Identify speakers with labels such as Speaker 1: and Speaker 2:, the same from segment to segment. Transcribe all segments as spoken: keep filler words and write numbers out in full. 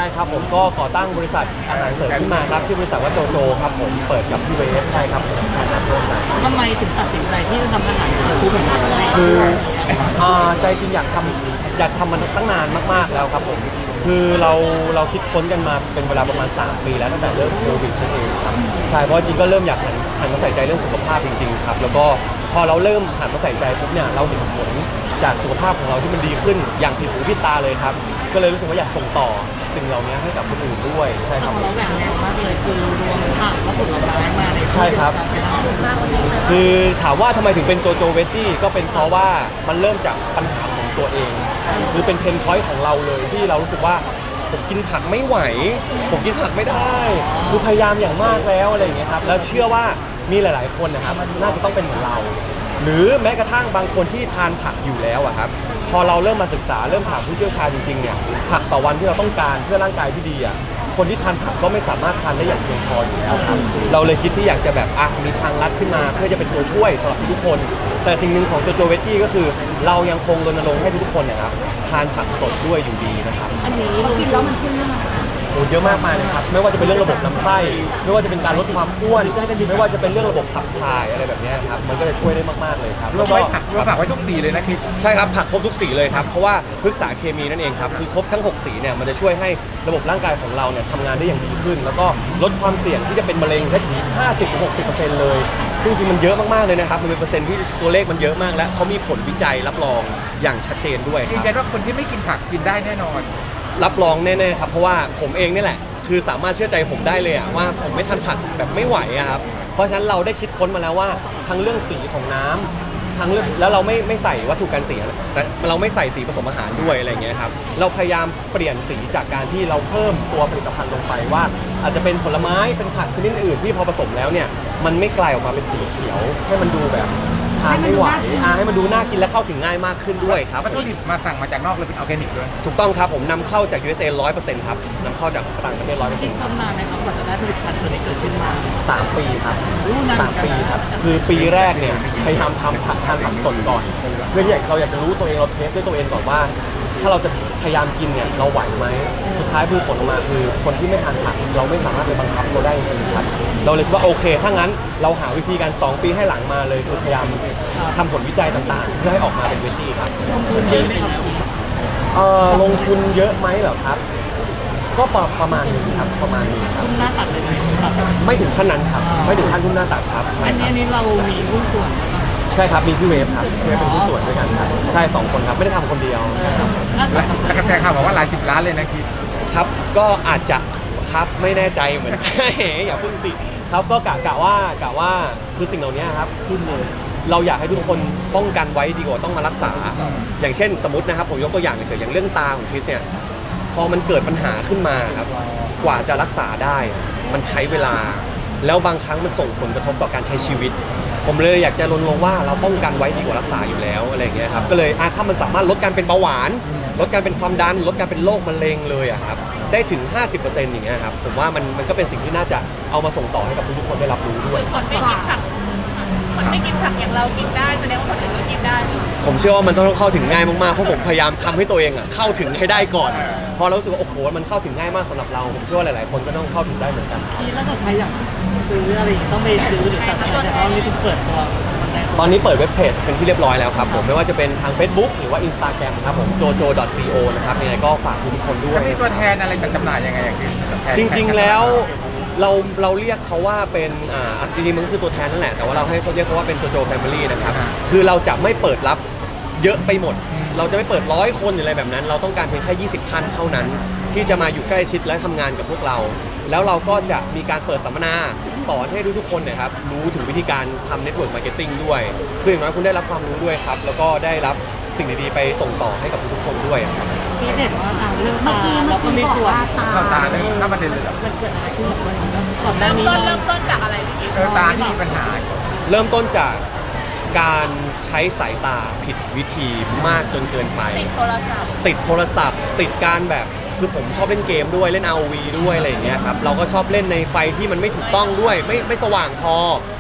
Speaker 1: ครับผมก็ก่อตั้งบริษัทอาหารเสริมขึ้นมาครับชื่อบริษัทว่าโจโจครับผมเปิดกับพี่เวฟใช่ครับผมใช่ครับร่วมกัน
Speaker 2: ทำไมถึงตัดสินใจที่จะทำอาหารเสริมคู่แบบนี้
Speaker 1: คืออ่าใจจริงอยากทำอยากทำมันตั้งนานมากๆแล้วครับผมคือเราเราคิดค้นกันมาเป็นเวลาประมาณสามปีแล้วตั้งแต่เริ่มโควิดนั่นเองครับใช่เพราะจริงก็เริ่มอยากหันหันมาใส่ใจเรื่องสุขภาพจริงๆครับแล้วก็พอเราเริ่มหันมาใส่ใจปุ๊บเนี่ยเราเห็นผลจากสุขภาพของเราที่มันดีขึ้นอย่างผิดหูผิดตาเลยครับก็เลยรู้สึกว่าอยากส่งต่อสิ่งเหล่านี้ให้กับคนอื่นด้วยใช่ครับ
Speaker 2: เราแบ่งแนวมากเลยคือรวมผักและผลไม้มาใน
Speaker 1: ใช่ครับคือถามว่าทำไมถึงเป็นโจโจเวจจี้ก็เป็นเพราะว่ามันเริ่มจากปัญหาของตัวเองคือเป็นเพนพอยต์ของเราเลยที่เรารู้สึกว่าผมกินผักไม่ไหวผมกินผักไม่ได้คือพยายามอย่างมากแล้วอะไรอย่างเงี้ยครับแล้วเชื่อว่ามีหลายๆคนนะครับน่าจะต้องเป็นเหมือนเราหรือแม้กระทั่งบางคนที่ทานผักอยู่แล้วอะครับพอเราเริ่มมาศึกษาเริ่มถามผู้เชี่ยวชาญจริงๆเนี่ยผักต่อวันที่เราต้องการเพื่อร่างกายที่ดีอะคนที่ทานผักก็ไม่สามารถทานได้อย่างเพียงพออยู่แล้วครับเราเลยคิดที่อยากจะแบบอ่ะมีทางลัดขึ้นมาเพื่อจะเป็นตัวช่วยสำหรับทุกคนแต่สิ่งหนึ่งของตัวโจเวจจี้ก็คือเรายังคงรณรงค์ให้ทุกคนนะครับทานผักสดด้วยอยู่ดีนะครับ
Speaker 2: อันนี้เรากินแล้วมันช่วยเรื่องอะไร
Speaker 1: โอ้เยอะมากมายเลยครับไม่ว่าจะเป็นเรื่องระบบลำไส้ไม่ว่าจะเป็นการลดความอ้วนไม่ว่าจะเป็นเรื่องระบบขับถ่ายอะไรแบบนี้ครับมันก็จะช่วยได้มากๆเลยครับ
Speaker 3: รวมไว้ผักรวมผักไว้ทุกสีเลยนะคิด
Speaker 1: ใช่ครับผักครบทุกสีเลยครับเพราะว่าพฤกษาเคมีนั่นเองครับคือครบทั้งหกสีเนี่ยมันจะช่วยให้ระบบร่างกายของเราเนี่ยทำงานได้อย่างดีขึ้นแล้วก็ลดความเสี่ยงที่จะเป็นมะเร็งได้ถึง ห้าสิบถึงหกสิบเปอร์เซ็นต์ เลยซึ่งจริงมันเยอะมากๆเลยนะครับมันเป็นเปอร์เซ็นต์ที่ตัวเลขมันเยอะมากและเขามีผลวิจัยรับรองอย่างชัดเจนด้วยครับ
Speaker 3: ยืนยันว่าคนที่ไม่กินผักกินได้แน่นอน
Speaker 1: รับรองแน่ๆครับเพราะว่าผมเองนี่แหละคือสามารถเชื่อใจผมได้เลยอะว่าผมไม่ทานผักแบบไม่ไหวอะครับเพราะฉะนั้นเราได้คิดค้นมาแล้วว่าทั้งเรื่องสีของน้ำทั้งเรื่องแล้วเราไม่ไม่ใส่วัตถุกันเสียแต่เราไม่ใส่สีผสมอาหารด้วยอะไรเงี้ยครับเราพยายามเปลี่ยนสีจากการที่เราเพิ่มตัวผลิตภัณฑ์ลงไปว่าอาจจะเป็นผลไม้เป็นผักชนิดอื่นที่พอผสมแล้วเนี่ยมันไม่กลายออกมาเป็นสีเขียวให้มันดูแบบทานไม่ไหวให้มันดูน่ากินและเข้าถึงง่ายมากขึ้นด้วยครับ
Speaker 3: วัตถุดิบมาสั่งมาจากนอกเลยเป็นออร์แกนิกด้วย
Speaker 1: ถูกต้องครับผมนำเข้าจาก ยู เอส เอ ร้อยเปอร์เซ็นต์ครับนำเข้าจากต่างประเทศร้อยเปอร์เซ็นต์
Speaker 2: ทำนานไหมครับกว่าจะได้ผลิตภัณฑ์ตัวนี้เกิดขึ้นมา
Speaker 1: สามปีครับสามปีครับคือปีแรกเนี่ยพยายามทำผักทานผักสดก่อนเพื่อที่เราอยากจะรู้ตัวเองเราเทสด้วยตัวเองก่อนว่าถ้าเราจะพยายามกินเนี่ยเราไหวไหมสุดท้ายคือผลออกมาคือคนที่ไม่ทานผักเราไม่สามารถไปบังคับเขาได้จริงๆครับเราเลยคิดว่าโอเคถ้างั้นเราหาวิธีการสองปีให้หลังมาเลยคือพยายามทำผลวิจัยต่างๆเพื่อให้ออกมาเป็นเวจี้ครับเอ่อลงทุนเยอะไหมเหรอครับก็ประมาณนึงครับประมาณนี้ครับ
Speaker 2: ทุ่มหน้าตัดเลยครับ
Speaker 1: ไม่ถึงขั้นนั้นครับไม่ถึงขั้นทุ่มหน้าตัดครับ
Speaker 2: อันนี้อันนี้เรามีหุ้นส่วน
Speaker 1: ใช่ครับมีพี่เวฟครับพี่เวฟเป็นผู้ส่วนด้วยกันครับใช่สองคนครับไม่ได้ทำคนเดียว
Speaker 3: และกระแสข่าวบอกว่าหลายสิบล้านเลยนะคิด
Speaker 1: ครับก็อาจจะครับไม่แน่ใจเหมือนอย่าพึ่งสิครับก็กะกะว่ากะว่าคือสิ่งเหล่านี้ครับขึ้นเลยเราอยากให้ทุกคนป้องกันไว้ดีกว่าต้องมารักษาอย่างเช่นสมมตินะครับผมยกตัวอย่างเฉยอย่างเรื่องตาของคริสเนี่ยพอมันเกิดปัญหาขึ้นมาครับกว่าจะรักษาได้มันใช้เวลาแล้วบางครั้งมันส่งผลกระทบต่อการใช้ชีวิตผมเลยอยากจะรณรงค์ว่าเราป้องกันไว้ดีกว่ารักษาอยู่แล้วอะไรอย่างเงี้ยครับก็เลยถ้ามันสามารถลดการเป็นเบาหวานลดการเป็นความดันลดการเป็นโรคมะเร็งเลยอะครับได้ถึง ห้าสิบเปอร์เซ็นต์ อย่างเงี้ยครับผมว่ามันมันก็เป็นสิ่งที่น่าจะเอามาส่งต่อให้กับทุกคนได้รับรู้ด้วย
Speaker 4: คนไม่กินผักคนไม่กินผักอย่างเรากินได้แสดงว่าคนอื่นก็กินได้
Speaker 1: ผมเชื่อว่ามันต้องเข้าถึงง่ายมากๆเพราะผมพยายามทำให้ตัวเองอะเข้าถึงให้ได้ก่อนพอเรารู้สึกว่าโอ้โหมันเข้าถึงง่ายมากสำหรับเราผมเชื่อว่าหลายๆคนก็ต้องเข้าถึงได้เหมือนกัน
Speaker 2: ที่แล้วก็ใครอยากซื้ออะไรต้องไปซื้อหรือสั่งอะไรแต่ว่านี่เปิดตัว
Speaker 1: ตอนนี้เปิดเว็บเพจเป็นที่เรียบร้อยแล้วครับผมไม่ว่าจะเป็นทาง Facebook หรือว่า Instagram ครับผม โจโจ ดอท ซี โอ นะครับยังไงก็ฝากทุกคนด้วย
Speaker 3: มีตัวแทนอะไรจัดจำหน่ายยังไงอย่าง
Speaker 1: จริงๆแล้วเราเราเรียกเขาว่าเป็นอ่าจริงๆมันก็คือตัวแทนนั่นแหละแต่ว่าเราให้เขาเรียกเขาว่าเป็นโจโจแฟมิลี่นะครับคือเราจะไม่เปิดรับเยอะไปหมดเราจะไม่เปิดร้อยคนหรืออะไรแบบนั้นเราต้องการเพียงแค่ยี่สิบท่านเท่านั้นที่จะมาอยู่ใกล้ชิดและทำงานกับพวกเราแล้วเราก็จะมีการเปิดสัมมนาสอนให้ทุกๆคนนะครับรู้ถึงวิธีการทำเน็ตเวิร์กมาร์เก็ตติ้งด้วยคืออย่างน้อยคุณได้รับความรู้ด้วยครับแล้วก็ได้รับสิ่งดีๆไปส่งต่อให้กับทุกๆคนด้วยครับ
Speaker 2: ที่เด็ดว่าตาเรื่องตาแล้วก็มีส่วน
Speaker 3: เข้าตาเนี่ยถ้าประเด็นเลยแบบ
Speaker 2: มันเกิดอะไรขึ้น
Speaker 4: ก่อนหน้านี้เริ่มต้นเริ่มต้นจากอะไรพี่กิ๊
Speaker 3: กตาที่มีปัญหา
Speaker 1: เริ่มต้นจากการใช้สายตาผิดวิธีมากจนเกินไป
Speaker 4: ติดโทรศัพท์
Speaker 1: ติดโทรศัพท์ติดการแบบคือผมชอบเล่นเกมด้วยเล่น อาร์ โอ วี ด้วยอะไรอย่างเงี้ยครับเราก็ชอบเล่นในไฟที่มันไม่ถูกต้องด้วยไม่ไม่สว่างพอ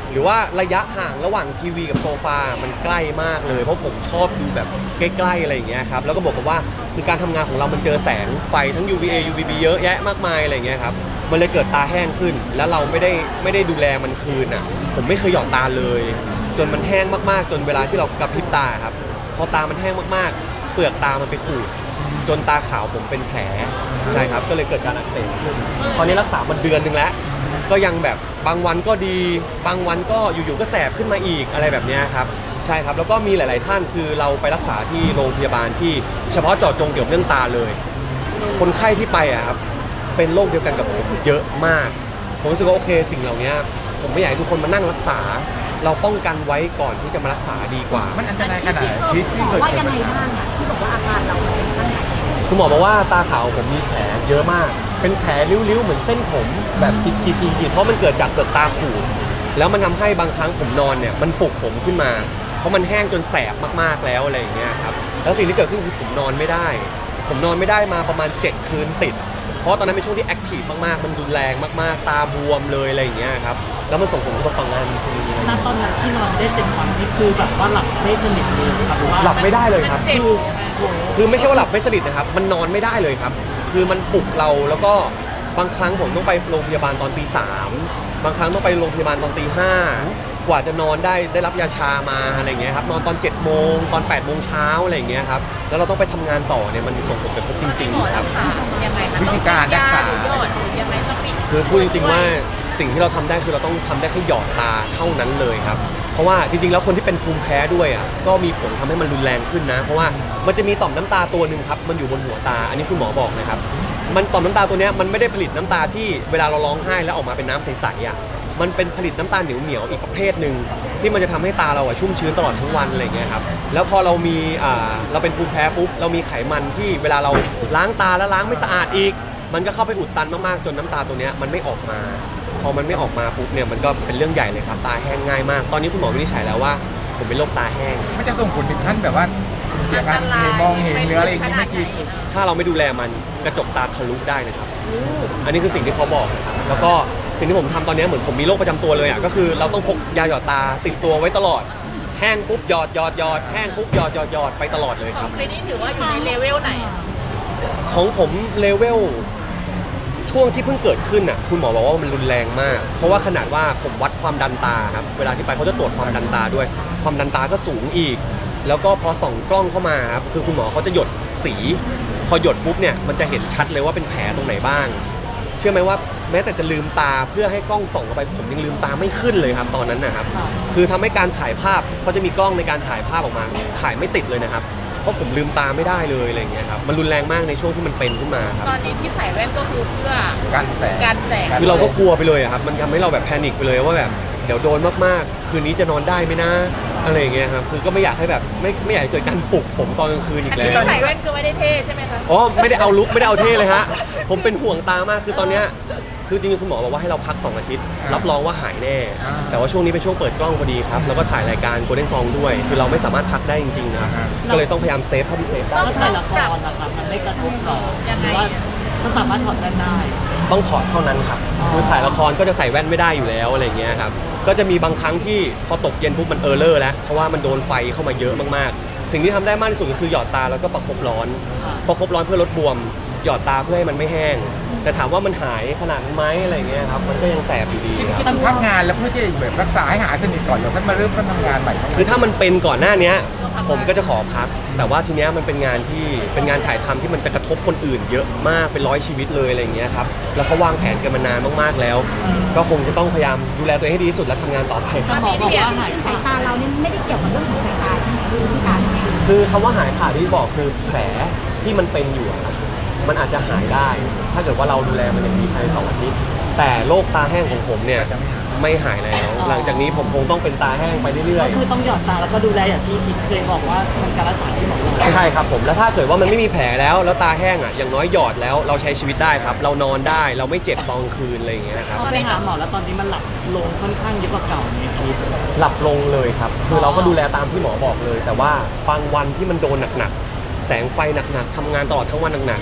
Speaker 1: หรือว่าระยะห่างระหว่างทีวีกับโซฟา มันใกล้มากเลยเพราะผมชอบดูแบบใกล้ๆอะไรอย่างเงี้ยครับแล้วก็บอกกับว่าคือการทำงานของเรามันเจอแสงไฟทั้ง ยู วี เอ ยู วี บี เยอะแยะมากมายอะไรอย่างเงี้ยครับมันเลยเกิดตาแห้งขึ้น แล้วเราไม่ได้ไม่ได้ดูแลมันคืนอ่ะผมไม่เคยหยอดตาเลย จนมันแห้งมากๆจนเวลาที่เรากระพริบตาครับพอตามันแห้งมากๆเปลือกตามันไปขูดจนตาขาวผมเป็นแผลใช่ครับก็เลยเกิดการอักเสบขึ้นตอนนี้รักษามาเดือนนึงแล้วก็ยังแบบบางวันก็ดีบางวันก็อยู่ๆก็แสบขึ้นมาอีกอะไรแบบนี้ครับใช่ครับแล้วก็มีหลายๆท่านคือเราไปรักษาที่โรงพยาบาลที่เฉพาะเจาะจงเกี่ยวกับเรื่องตาเลยคนไข้ที่ไปอะครับเป็นโรคเดียวกันกับผมเยอะมากผมรู้สึกว่าโอเคสิ่งเหล่านี้ผมไม่อยากให้ทุกคนมานั่งรักษาเราป้องกันไว้ก่อนที่จะมารักษาดีกว่า
Speaker 3: มันอันตรายขนาดไหนที่ที่
Speaker 5: บ
Speaker 3: เกิ
Speaker 5: อ
Speaker 3: ด
Speaker 5: กว่า
Speaker 3: ขึ้
Speaker 5: ยัง
Speaker 3: น
Speaker 5: ไงบ้างอะที่บอกว่าอาการเราเป็นขั้นไหน
Speaker 1: คุณหมอบอกว่าตาขาวผมมีแผลเยอะมากเป็นแผลริ้วๆเหมือนเส้นผมแบบขีดๆๆเพราะมันเกิดจากเปลือกตาขูดแล้วมันทำให้บางครั้งผมนอนเนี่ยมันปลุกผมขึ้นมาเพราะมันแห้งจนแสบมากๆแล้วอะไรอย่างเงี้ยครับแล้วสิ่งที่เกิดขึ้นคือผมนอนไม่ได้ผมนอนไม่ได้มาประมาณเจ็ดคืนติดเพราะตอนนั้นเป็นช่วงที่แอคทีฟมากๆมันรุนแรงมากๆตาบวมเลยอะไรอย่างเงี้ยครับแล้วมันส่งผลกระทบต่องานจริงๆ
Speaker 2: ณตอนนั้นที่นอนได้เจ็ดวันนี่คือแบบว่าหลับไม่สนิทเลยครับว่า
Speaker 1: หลับไม่ได้เลยครับ
Speaker 4: มันเจ็บ
Speaker 2: คือโอ้โห
Speaker 1: คือไม่ใช่ว่าหลับไม่สนิทนะครับมันนอนไม่ได้เลยครับคือมันปลุกเราแล้วก็บางครั้งผมต้องไปโรงพยาบาลตอนตีสามบางครั้งต้องไปโรงพยาบาลตอนตีห้ากว่าจะนอนได้ได้รับยาชามาอะไรอย่างเงี้ยครับนอนตอนเจ็ดโมงตอนแปดโมงเช้าอะไรอย่างเงี้ยครับแล้วเราต้องไปทำงานต่อเนี่ยมันส่งผลกระทบจริง
Speaker 4: หมอ
Speaker 1: ๆค
Speaker 4: รั
Speaker 1: รับ
Speaker 4: กษายังไงคะ
Speaker 3: วิธีการรักษา
Speaker 4: หรือหยอดหรือยังไงต้องมี
Speaker 1: คือพูดจริงๆว่าสิ่งที่เราทำได้คือเราต้องทำได้แค่หยอดตาเท่านั้นเลยครับเพราะว่าจริงๆแล้วคนที่เป็นภูมิแพ้ด้วยอ่ะก็มีผลทำให้มันรุนแรงขึ้นนะเพราะว่ามันจะมีต่อมน้ำตาตัวหนึ่งครับมันอยู่บนหัวตาอันนี้คุณหมอบอกนะครับมันต่อมน้ำตาตัวเนี้ยมันไม่ได้ผลิตน้ำตาที่เวลาเราร้องไห้แล้วออกมาเป็นน้ำใสๆอ่ะมันเป็นผลิตน้ำตาเหนียวๆอีกประเภทหนึ่งที่มันจะทำให้ตาเราอ่ะชุ่มชื้นตลอดทั้งวันอะไรอย่างเงี้ยครับแล้วพอเรามีอ่าเราเป็นภูมิแพ้ปุ๊บเรามีไขมันที่เวลาเราล้างตาแล้วล้างไม่สะอาดอีกมันก็เข้าไปอุดตันมากๆจนน้ำตาตัวเนี้ยมันไม่ออกมาพอมันไม่ออกมาปุ๊บเนี่ยมันก็เป็นเรื่องใหญ่เลยครับตาแห้งง่ายมากตอนนี้คุณหมอวินิจฉัยแล้วว่าผมเป็นโรคตาแห้ง
Speaker 3: มันจะส่งผลถึงขั้นแบบว่าเสียการเห็นมองเห็นหรืออะไรอย่างนี้ไม่กิน
Speaker 1: ถ้าเราไม่ดูแลมันกระจกตาทะลุได้นะครับ อันนี้คือสิ่งที่เขาบอกนะครับแล้วก็สิ่งที่ผมทำตอนนี้เหมือนผมมีโรคประจำตัวเลยอ่ะก็คือเราต้องพกยาหยอดตาติดตัวไว้ตลอดแห้งปุ๊บหยอดหยอดหยอดแห้งปุ๊บหยอดหยอดหยอดไปตลอดเลย
Speaker 4: ข
Speaker 1: ค
Speaker 4: อ
Speaker 1: รั
Speaker 4: ง
Speaker 1: บ
Speaker 4: คลินิกถือว่าอยู่ในเลเวลไหน
Speaker 1: ของผมเลเวลช่วงที่เพิ่งเกิดขึ้นอ่ะคุณหมอบอกว่ามันรุนแรงมาก เพราะว่าขนาดว่าผมวัดความดันตาครับเวลาที่ไปเขาจะตรวจความดันตาด้วย ความดันตาก็สูงอีก แล้วก็พอส่องกล้องเข้ามาครับคือคุณหมอเขาจะหยดสี พอหยดปุ๊บเนี่ยมันจะเห็นชัดเลยว่าเป็นแผลตรงไหนบ้าง เชื่อไหมว่าแม้แต่จะลืมตาเพื่อให้กล้องส่องเข้าไปผมยังลืมตาไม่ขึ้นเลยครับตอนนั้นนะครับคือทำให้การถ่ายภาพเขาจะมีกล้องในการถ่ายภาพออกมาถ่ายไม่ติดเลยนะครับเพราะผมลืมตาไม่ได้เลยอะไรอย่างเงี้ยครับมันรุนแรงมากในช่วงที่มันเป็นขึ้นมาครับ
Speaker 4: ตอนนี้ที่ใส่แว่นก็คือเพื่อ
Speaker 3: กันแสง
Speaker 4: การแสง
Speaker 1: คือเราก็กลัวไปเลยอะครับมันทำให้เราแบบแพนิคไปเลยว่าแบบเดี๋ยวโดนมากๆ คืนนี้จะนอนได้ไหมนะอะไรอย่างเงี้ยครับคือก็ไม่อยากให้แบบไม่ไม่อยากให้เกิดการปลุกผมตอนกลางคืนอี
Speaker 4: อัน
Speaker 1: กแล้
Speaker 4: นี้
Speaker 1: ว
Speaker 4: ที่ใส่แว่นคือไม่ได้เท่ใช่ไหมคะ
Speaker 1: อ๋อไม่ได้เอาลุกไม่ได้เอาเท่เลยฮะผมเป็นห่วงตามากคือตอนเนี้ยคือจริงๆคุณหมอบอกว่าให้เราพักสองอาทิตย์รับรองว่าหายแน่ แต่ว่าช่วงนี้เป็นช่วงเปิดกล้องพอดีครับแล้วก็ถ่ายรายการ Golden Song ด้วย คือเราไม่สามารถพักได้จริงๆนะครับก็เลยต้องพยายามเซฟเท่าที่เซฟได้
Speaker 2: แล้วถ่ายละครนะครับมันไม่กระทบหรอหรือว่าก็สามารถถอดแว่นได้
Speaker 1: ต้องถอดเท่านั้นครับ คือถ่ายละครก็จะใส่แว่นไม่ได้อยู่แล้วอะไรเงี้ยครับ ก็จะมีบางครั้งที่พอตกเย็นปุ๊บมันเออร์เลอร์แล้ว เพราะว่ามันโดนไฟเข้ามาเยอะมากๆ สิ่งที่ทำได้มากที่สุดก็คือหยอดตาแล้วก็ประคบร้อน ประคบร้อนเพื่อลดบวม หยอดตาเพื่อให้มันไม่แห้ง แต่ถามว่ามันหายขนาดนั้นไหมอะไรเงี้ยครับ มันก็ยังแสบอยู่ดีครับ
Speaker 3: คิดพักงานแล้วเพื่อจะแบบรักษาให้หายสนิทก่อนเดี๋ยวค่อยมาเริ่มต้นทำงานใหม่
Speaker 1: คือถ้ามันเป็นก่อนหน้านี้ผมก็จะขอพัก แต่ว่าทีเนี้ยมันเป็นงานที่เป็นงานถ่ายทำที่มันจะกระทบคนอื่นเยอะมากเป็นร้อยชีวิตเลยอะไรอย่างเงี้ยครับแล้วเขาวางแผนกันมานานมากๆแล้ว ก็คงจะต้องพยายามดูแลตัวเองให้ดีที่สุดและทำงานต่อไปค
Speaker 2: คุ
Speaker 1: รับ
Speaker 2: ณหมอบอกว่าหาย
Speaker 5: คือสายตาเราเนี่ยไม่ได้เกี่ยวกับเรื่องของสายตาใช่ไหมคือที่ตา
Speaker 1: คือคำว่าหายขาดที่บอกคือแผลที่มันเป็นอยู่อะครับมันอาจจะหายได้ ถ้าเกิดว่าเราดูแลมันอย่างดีภายในสองอาทิตย์แต่โรคตาแห้งของผมเนี่ยไม่หายแล้ว หลังจากนี้ผมคงต้องเป็นตาแห้งไปเรื่อย
Speaker 2: ก็
Speaker 1: ๆ
Speaker 2: คือต้องหยอดตาแล้วก็ดูแลอย่างที่คิดเคยบอกว่าทำการรักษาที่หมอบอก
Speaker 1: ใช่ครับผมแล้วถ้าเกิดว่ามันไม่มีแผลแล้วแล้วตาแห้งอ่ะอย่างน้อยหยอดแล้วเราใช้ชีวิตได้ครับ เรานอนได้เราไม่เจ็บตอนกลางคืนอะไรอย่างเงี้ยครับ
Speaker 2: พอไปหาหมอแล้วตอนนี้มันหลับลงค่อนข้างเยอะกว่าเก่าในคิด
Speaker 1: หลับลงเลยครับ คือเราก็ดูแลตามที่หมอบอกเลย แต่ว่าบางวันที่มันโดนหนักๆแสงไฟหนักๆทำงานตลอดทั้งวันหนักๆ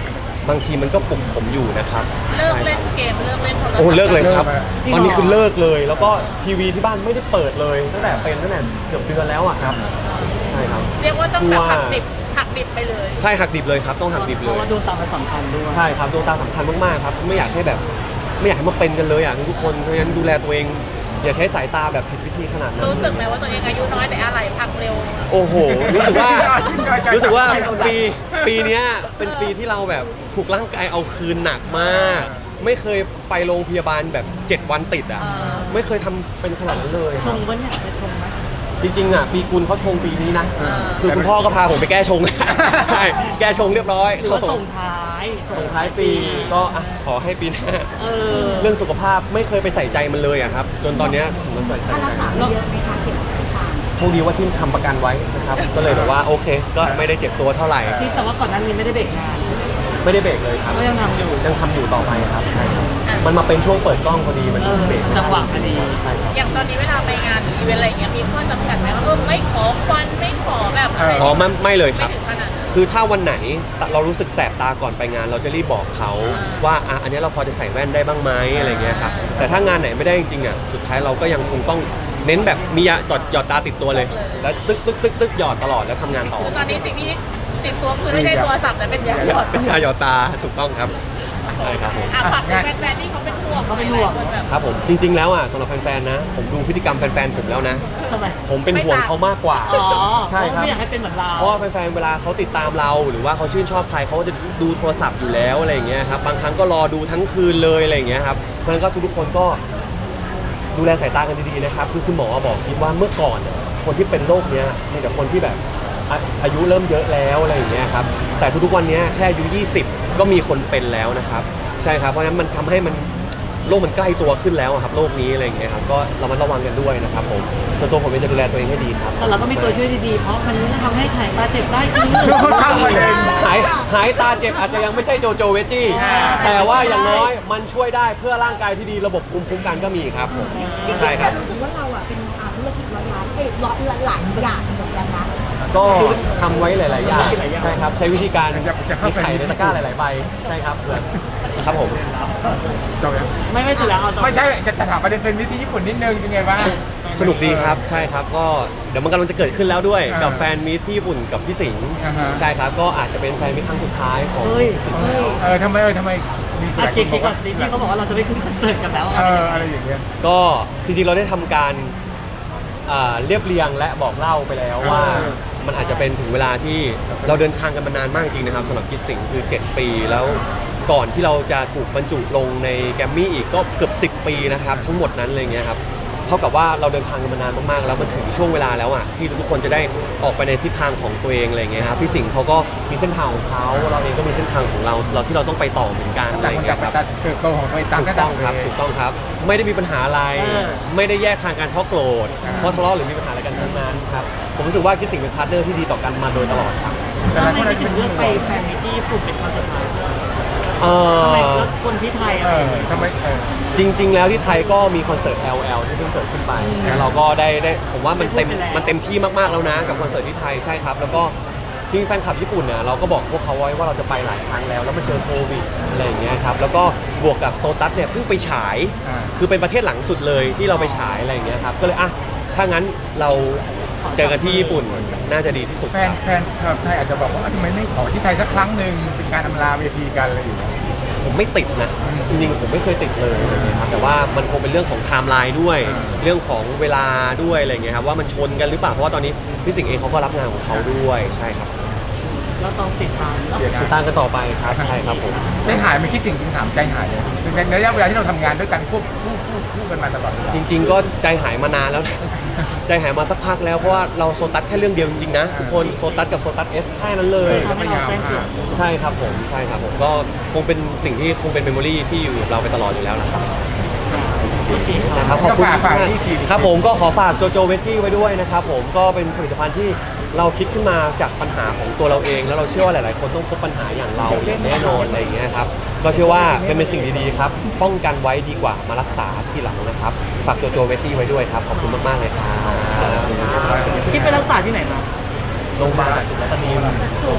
Speaker 1: บางทีมันก็ปลุกผมอยู่นะครับ
Speaker 4: เลิก
Speaker 1: ใช่
Speaker 4: เล่
Speaker 1: คน รับ
Speaker 4: เกมเลิกเล่นโทรศัพท์
Speaker 1: โอ้เลิกเลยครับ
Speaker 3: เลิกอะ
Speaker 1: ตอนนี้คือเลิกเลย แล้วก็ทีวีที่บ้านไม่ได้เปิดเลยตั้งแต่เป็นตั้งแต่เกือบเดือนแล้วอะครับใช่ครับ
Speaker 4: เรียกว่าต้องแบบหักดิบหักดิบไปเลย
Speaker 1: ใช่หักดิบเลยครับต้องหักดิบ
Speaker 2: เพ
Speaker 1: เล
Speaker 2: ราะ
Speaker 1: ย
Speaker 2: ว่าดวงตามันสำคัญด้วย
Speaker 1: ใช่ครับดวงตาสำคัญมากๆครับไม่อยากให้แบบไม่อยากให้มาเป็นกันเลยอ่ะทุกคนเพราะฉะนั้นดูแลตัวเองอย่าใช้สายตาแบบผิดวิธีขนาดนั้น
Speaker 4: รู้สึกไหมว่าตัวเองอายุน้อยแต่อะไรพักเร็ว
Speaker 1: โอ้โหรู้สึกว่ารู้สึกว่าปีปีเนี้ยเป็นปีที่เราแบบถูกร่างกายเอาคืนหนักมาก ไม่เคยไปโรงพยาบาลแบบเจ็ดวันติดอ่ะ
Speaker 4: อ่า
Speaker 1: ไม่เคยทำเป็นขนาดนั้นเลย
Speaker 2: ชงปะเนี่ยไปชงไหม
Speaker 1: จริงๆอ่ะปีกุลเขาชงปีนี้นะคือคุณพ่อก็พาผมไปแก้ชง ใช่แก้ชงเรียบร้อย
Speaker 2: หรือว่าส่งท้าย
Speaker 1: ส่งท้ายปีก็อ่ะขอให้ปีหน้า
Speaker 2: เออ
Speaker 1: เรื่องสุขภาพไม่เคยไปใส่ใจมันเลยอะครับ จนตอนเนี้ยผมมาใส่ใจ
Speaker 5: ค่ารักษาเยอะไหมคะเกี่ยวกับสายตา
Speaker 1: โชคดีว่าที่ทำประกันไว้นะครับ ก็เลยแบบว่าโอเค ก็ไม่ได้เจ็บตัวเท่าไหร่
Speaker 2: ที่แต่ว่าก่อนหน้านี้ไม่ได้เบรกงาน
Speaker 1: ไม่ได้เบรกเลยครับ
Speaker 2: ก็ยังทำอยู่
Speaker 1: ยังทำอยู่ต่อไปครับใช่ครับมันมาเป็นช่วงเปิดกล้องพอดีมัน
Speaker 2: เออ
Speaker 1: เบรกไม่ไ
Speaker 2: จังหวะพอดี
Speaker 1: ใช่ครับ
Speaker 4: อย่างตอนนี้เวลาไปงานอีเวนต์อะไรอย่างเงี้ยมีข้อจำกัดไหมว่าเออไม่ขอควันไม่ขอแบบอะไร
Speaker 1: อ๋อไม่ไม่เลยค
Speaker 4: ไม่
Speaker 1: รับ
Speaker 4: ถึงขนาดนั้น
Speaker 1: คือถ้าวันไหนเรารู้สึกแสบตาก่อนไปงาน เราจะรีบบอกเขา
Speaker 4: อ่า
Speaker 1: ว่าอ่ะอันนี้เราพอจะใส่แว่นได้บ้างไหมอะไรเงี้ยครับแต่ถ้างานไหนไม่ได้จริงๆอ่ะสุดท้ายเราก็ยังคงต้องเน้นแบบมียาหยอดหยอดตาติดตัวเลย แล้วตึ๊กตึ๊กตึ๊กตึ๊กหยอดตลอดแล้วทำงานต่อ
Speaker 4: คือตอนนี้สิ่งที่ติดตัวคือไม่ได้โทรศัพท์แต่เป็นยาหยอด
Speaker 1: เป็นยาหยอดตาถูกต้องครับใช่ครับผม
Speaker 4: อ่ะฝากถึงแฟนๆที่เขาเป็นห่วง
Speaker 2: เขาเป็นห่วง
Speaker 4: หลายๆคนแบบ
Speaker 1: ครับผมจริง ๆแล้วอ่ะสำหรับแฟนๆนะ ผมดูพฤติกรรมแฟนๆผมแล้วนะ
Speaker 2: ทำไม
Speaker 1: ผมเป็นห่วงเขามากกว่า
Speaker 2: อ๋อ
Speaker 1: ใช่ครับ
Speaker 2: ไม่อยากให้เป็นเหมือนเรา
Speaker 1: เพราะว่าแฟนๆเวลาเขาติดตามเรา หรือว่าเขาชื่นชอบใครเขาก็จะดูโทรศัพท์อยู่แล้วอะไรอย่างเงี้ยครับบางครั้งก็รอดูทั้งคืนเลยอะไรอย่างเงี้ยครับเพราะฉะนั้นก็ทุกๆคนก็ดูแลสายตากันดีๆนะครับคือคุณหมอบอกคิดว่าเมื่อก่อนเนี่ยคนที่เป็นโรคเนี้ยมีแต่คนที่แบบอาอายุเริ่มเยอะแล้วอะไรอย่างเงี้ยครับแต่ทุกๆวันเนี้ยแค่อายุยี่สิบก็มีคนเป็นแล้วนะครับใช่ครับเพราะฉะนั้นมันทำให้มันโรคมันใกล้ตัวขึ้นแล้วอะครับโรคนี้อะไรอย่างเงี้ยครับก็ระมัดระวังกันด้วยนะครับผมส่วนตัวผมเองจะดูแลตัวเองให้ดีครับ
Speaker 2: แต่เราก็มีตัวช่วยดีๆ เพราะมันทำให้ถ่ายตาเจ็บได้จริง
Speaker 3: เข้าประเด็น
Speaker 1: หายหายตาเจ็บอาจจะยังไม่ใช่โจโจเวจจี้
Speaker 3: อ่า
Speaker 1: แต่ว่าอย่างน้อยมันช่วยได้เพื่อร่างกายที่ดีระบบภูมิคุ้มกันก็มีครับผมใช่ครับ
Speaker 5: รู้สึกว่าเราอ่ะเป็นอาธุรกิจร้อยล้านเอ้ยร้อยหลายอย่างเหมือนกันนะ
Speaker 1: ก็ทำไว้หลาย ๆ อย่างใช่ครับใช้วิธีการ
Speaker 3: จะจะเข้า
Speaker 1: มี
Speaker 3: ไป
Speaker 1: ไข่ในตะกร้าหลาย ๆ ใบใช่ครับเพื่อนครับผม
Speaker 3: จบยัง
Speaker 2: ๆ ไม่ไม่สุดแล้วเอาต่อ
Speaker 3: ไม่ใช่จะจะถามประเด็นเป็นวิธีญี่ปุ่นนิดนึงเป็นไงบ้าง
Speaker 1: สนุกดีครับใช่ครับก็เดี๋ยวมันกำลังจะเกิดขึ้นแล้วด้วย
Speaker 3: อ่ากั
Speaker 1: กับแฟนมีตที่ญี่ปุ่นกับพี่สิงห์
Speaker 3: อ่าฮะ
Speaker 1: ใช่ครับก็อาจจะเป็นแฟนมีตครั้งสุดท้ายของ
Speaker 2: เฮ้ย
Speaker 1: พี่สิงห์
Speaker 2: เฮ้ย
Speaker 3: เออทำไมเออทำไมมีห
Speaker 2: อา
Speaker 3: ลายค
Speaker 2: คิด
Speaker 3: นบ
Speaker 2: คิ
Speaker 3: อ
Speaker 2: ด
Speaker 3: ก
Speaker 2: ก่อ
Speaker 3: ว่าน
Speaker 2: สิที่เขาบอกว่าเราจะไปขึ้นคอนเสิร์ตกันแล้ว
Speaker 3: เอออะไรอย่างเงี้ย
Speaker 1: ก็จริง ๆ เราได้ทำการอ่าเรียบเรียงและบอกเล่าไปแล้วว่า
Speaker 3: เออ
Speaker 1: มันอาจจะเป็นถึงเวลาที่เราเดินทางกันมานานมากจริงนะครับสำหรับกิจสิงห์คือ เจ็ด ปีแล้วก่อนที่เราจะถูกบรรจุลงในแกรมมี่อีกก็เกือบ สิบ ปีนะครับทั้งหมดนั้นอะไรเงี้ยครับเท่ากับว่าเราเดินทางกันมานานมากๆแล้วมันถึงช่วงเวลาแล้วอ่ะที่ทุกคนจะได้ออกไปในทิศทางของตัวเองอะไรเงี้ยครับพี่สิงห์เขาก็มีเส้นทางของเขาเราเองก็มีเส้นทางของเราเราที่เราต้องไปต่อเหมือนกันอะไร
Speaker 3: ต่างคน
Speaker 1: เงี้
Speaker 3: ต่าง
Speaker 1: ย
Speaker 3: ไป
Speaker 1: ครับ
Speaker 3: ตัดเติบโตของตัวเองต่าง
Speaker 1: ถู
Speaker 3: ก็
Speaker 1: กต้
Speaker 3: ต่า
Speaker 1: อง ง
Speaker 3: ไป
Speaker 1: ครับถูกต้องครับ ไม่ได้มีปัญหาอะไร
Speaker 2: เออ
Speaker 1: ไม่ได้แยกทางกันเพราะโกรธ
Speaker 3: อ่า
Speaker 1: เพราะทะเลาะหรือมีปัญหาอะไรกันทั้งนั้นครับผมรู้สึกว่าคิดสิ่งเป็นพาร์ทเนอร์ที่ดีต่อกันมาโดยตลอดครับ
Speaker 3: แต่หลาย
Speaker 2: ทำ
Speaker 3: คน
Speaker 2: ไม
Speaker 3: อาจจะ
Speaker 2: ถึ
Speaker 3: เป็น
Speaker 2: งเลื
Speaker 3: ห่
Speaker 2: อก
Speaker 3: วง
Speaker 2: ไปแฟนมิตที่ญี่ปุ่นเป็นคอนเสิร์ตท้าย
Speaker 1: เอ
Speaker 2: ทำไม
Speaker 1: อ
Speaker 2: แล้วคนที่ไทย
Speaker 3: เอ
Speaker 2: อะ
Speaker 3: อทำไมเออ
Speaker 1: จริง ๆ แล้วที่ไทยก็มีคอนเสิร์ต แอล แอล ที่เพิ่งเกิดขึ้นไปแล้วเราก็ได้ได้ผมว่ามันเต็มมันเต็มที่มากๆแล้วนะกับคอนเสิร์ตที่ไทยใช่ครับ แล้วก็จริงแฟนคลับญี่ปุ่นเนี่ยเราก็บอกพวกเขาไว้ว่าเราจะไปหลายครั้งแล้วแล้วมันเจอโควิดอะไรอย่างเงี้ยครับแล้วก็บวกกับโซตัสเนี่ยเพิ่งไปฉาย
Speaker 3: อ่า
Speaker 1: คือเป็นประเทศหลังสุดเลยที่เราไปฉายอะไรอย่างเงี้ยครับก็เลยอ่ะถ้างั้นเราเจอกันที่ญี่ปุ่นน่าจะดีที่สุด
Speaker 3: แฟ
Speaker 1: คน รับ
Speaker 3: แฟนคลับไทยอาจจะบอกว่าทำไมไม่ขอที่ไทยสักครั้งหนึ่งเป็นการอำลาเวทีกันอะไรอย่างเงี้ย
Speaker 1: ผมไม่ติดนะจริงๆผมไม่เคยติดเลยนะครับแต่ว่ามันคงเป็นเรื่องของไทม์ไลน์ด้วย
Speaker 3: อ่า
Speaker 1: เรื่องของเวลาด้วยอะไรอย่างเงี้ยครับว่ามันชนกันหรือเปล่าเพราะว่าตอนนี้พี่สิงห์เองเขาก็รับงานของเขาด้วยใช่ครับ
Speaker 2: เราต้องติดตามเนอะ
Speaker 3: เสียดาย
Speaker 1: ติดตามกันต่อไปครับใช่ครับผม
Speaker 3: ใจหายไม่คิดถึงจริงถามใจหายเลยในระยะเวลาที่เราทำงานด้วยกันควบคู่คู่คู่กันมาตลอดเวลา
Speaker 1: จริง ๆ ก็ใจหายมานานแล้วนะ ใจหายมาสักพักแล้วเพราะว่าเราโซตัสแค่เรื่องเดียวจริงๆนะทุกคนโซตัสกับโซตัสเอสแค่นั้นเลย
Speaker 3: เออ
Speaker 2: ทำให้เราแจ้งเกิด
Speaker 1: ใช่ครับผมใช่ครับผมก็คงเป็นสิ่งที่คงเป็นเมมโมรีที่อยู่กับเราไปตลอดอยู่แล้วนะครับ
Speaker 2: โอเคครับ
Speaker 1: นะครับขอบคุณ
Speaker 3: ก็ฝากฝาก
Speaker 1: มาก
Speaker 3: ที่ที
Speaker 1: ครับผมก็ขอฝากโจโจเวจจี้ไว้ด้วยนะครับผมก็เป็นผลิตภัณฑ์ที่เราคิดขึ้นมาจากปัญหาของตัวเราเอง แล้วเราเชื่อว่าหลายๆ คนต้องพบปัญหาอย่างเราอย่างแน่นอนอะไรอย่างเงี้ยครับก็เชื่อว่าเป็นเป็นสิ่งดีๆครับป้องกันไว้ดีกว่ามารักษาทีหลังนะครับฝากโจโจเวจจี้ไว้ด้วยครับขอบคุณมากๆเลยครับ
Speaker 2: ที่ไปรักษาที่ไหนมา
Speaker 1: โรงพยาบาลสุราษฎร์ธานี
Speaker 5: สูง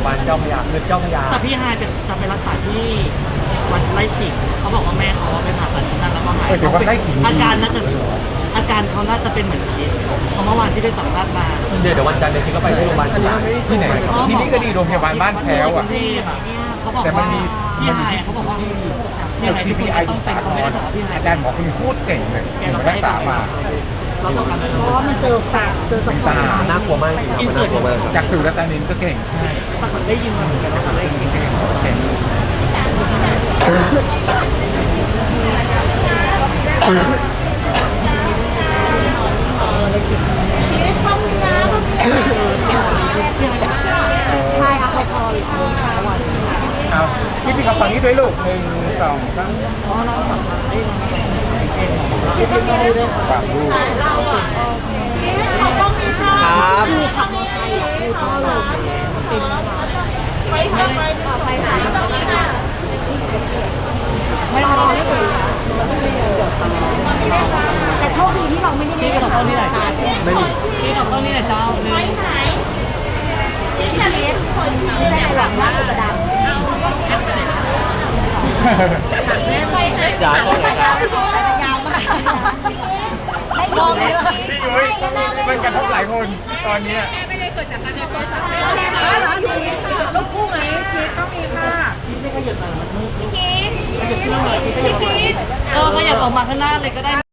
Speaker 1: บาลเจ้าพระยาคือเจ้าพระยา
Speaker 2: แต่พี่ฮายเป็นจะไปรักษาที่วัดไร่ขิงเขาบอกว่าแม่เขาไปผ่าตัดที่นั่นแล้วก็หาย
Speaker 3: เออถือว่าไร่ขิง
Speaker 2: อาการน่าจะอาการเขาน่าจะเป็นเหมือนคิดเพราะเมื่อวานที่ได้สัมภาษณ์มา
Speaker 1: เดี๋ยวเดี๋ยววันจันทร์เดี๋ยวคิดก็ไปที่โรงพยาบาลจุฬา
Speaker 3: ที่ไหนที่นี่ก็ดีโรงพยาบาลบ้านแพ้วอ่ะ
Speaker 2: เขาบอก
Speaker 3: แต่มัน
Speaker 2: ว่า
Speaker 3: มี
Speaker 2: พี่ฮายเขาบอกว่ายังไง
Speaker 3: ที
Speaker 2: ที่
Speaker 3: พี
Speaker 2: พี่
Speaker 3: ไอ
Speaker 2: ต้องเป็นเขาไม่ได้บอกว่าพี่ฮาย
Speaker 3: อาจารย์หมอคุณพูดเก่งเลยถึงรักษามา
Speaker 2: เราต้องการ
Speaker 5: เพราะว่ามันเจอแฝดเจอสะท้อน
Speaker 1: น่ากลัวมากจริงๆครับมันน่ากลัวมากครับ
Speaker 3: จากสุรตานินก็เก่งใช่
Speaker 2: ปรากฏได้ยินมาเหมือนกันว่าได้ยิน
Speaker 3: เก่งเก่ง
Speaker 5: ใช่อะพอพอหรือใช่วัน
Speaker 3: เอาที่พี่เขาฝั่งนี้ด้วยลูกหนึ่งสองสาม
Speaker 2: เพราะเราสัมภาษณ์ได้
Speaker 5: คือต้องมีด้วย
Speaker 3: ฝั่งลูก
Speaker 1: ครับ
Speaker 5: คือขับมอเตอร์ไซค์อะคือพ่อลงเป็น
Speaker 4: ไปทำไปต่อไปไหน
Speaker 5: ไม่รอไม่ถึงแต่โชคดีที่เราไม่ได้
Speaker 2: พี่
Speaker 5: ไม่
Speaker 2: กับ
Speaker 5: ได้
Speaker 2: ต้นนี่แหละ
Speaker 1: ไม่มี
Speaker 2: พี่กับต้นนี่แหละเจ้าหนึ่ง
Speaker 4: ไปไหนที่ทะเลทุกคน
Speaker 5: ไม่ได้หลังหน้ากุกระดำ
Speaker 4: แม่ไปไหน
Speaker 1: อย่า
Speaker 5: สายยาวไม่ถูกสายยาวมากไม่มองเลย
Speaker 3: พี่ยุ้ยมันกระทบหลายคนตอนเนี้ย
Speaker 4: แม่ไม่ได้เกิดจากการเดินโทรศัพท์
Speaker 5: อ๋อเหรอดีลูกคู่ไง
Speaker 2: พี่ไม่ขยับมามันมืด
Speaker 4: พี่พีทพี่พีท
Speaker 2: เออขยับออกมาข้างหน้าเลยก็ได้